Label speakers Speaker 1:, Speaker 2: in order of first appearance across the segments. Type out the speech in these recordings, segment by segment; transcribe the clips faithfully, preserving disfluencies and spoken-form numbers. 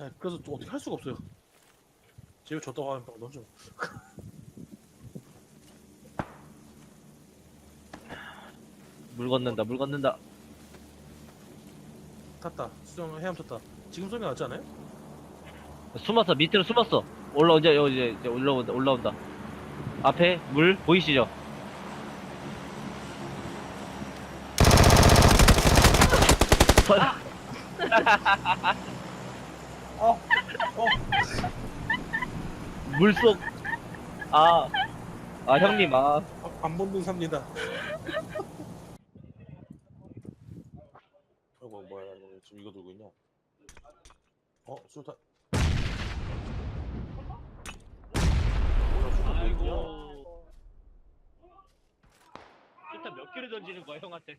Speaker 1: 네, 그래서 또 어떻게 할 수가 없어요. 집에 줬다고 하면 던져.
Speaker 2: 물 건넌다 물 건넌다.
Speaker 1: 탔다. 수정 해암 탔다. 지금 소리 나지 않아요?
Speaker 2: 숨었어 밑으로 숨었어. 올라 이제 이제 이제 올라온다 올라온다. 앞에 물 보이시죠?
Speaker 1: 어, 어.
Speaker 2: 물속. 아, 아 형님 아.
Speaker 1: 아, 안 본능 삽니다. 아이고 뭐야 너 지금 이거 들고 있냐? 어 수류탄. 뭐야 수류탄 몇 개야?
Speaker 2: 일단 몇 개를 던지는 거야 형한테?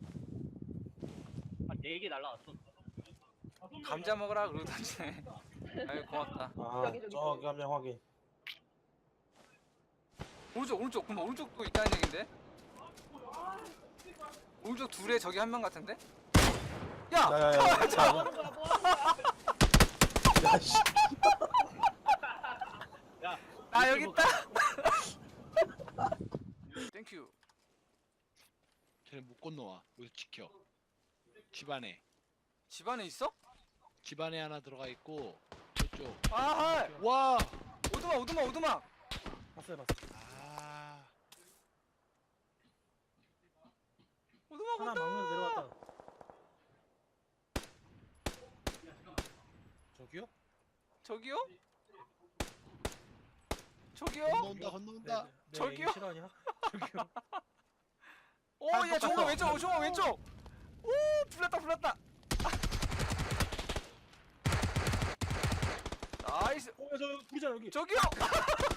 Speaker 2: 한 네 개 날라왔어.
Speaker 3: 감자 먹으라 그러고 던지네. 아유 고맙다.
Speaker 1: 아 저기 한 명 확인.
Speaker 3: 오른쪽 오른쪽 그럼 오른쪽도 있다는 얘긴데? 오른쪽 둘에 저기 한 명 같은데? 야!
Speaker 1: 야야야. 야씨.
Speaker 2: 야,
Speaker 3: 아 여기 있다! 땡큐.
Speaker 4: 쟤는 못 건너와. 여기서 지켜. 집 안에.
Speaker 3: 집 안에 있어?
Speaker 4: 집 안에 하나 들어가 있고 저쪽.
Speaker 3: 아
Speaker 4: 와!
Speaker 3: 오두막 오두막 오두막!
Speaker 1: 봤어요 봤어.
Speaker 4: 아.
Speaker 3: 오두막
Speaker 1: 하나
Speaker 3: 온다!
Speaker 1: 막는 내려왔다. 저기요?
Speaker 3: 저기요? 저기요?
Speaker 4: 건너온다 건너온다.
Speaker 1: 네, 네,
Speaker 3: 저기요?
Speaker 1: 이게 실화냐? 저기요?
Speaker 3: 오야 종호 왼쪽 종호 왼쪽! 오 불났다 불났다! 나이스!
Speaker 1: 어, 저 불이잖아 여기.
Speaker 3: 저기요!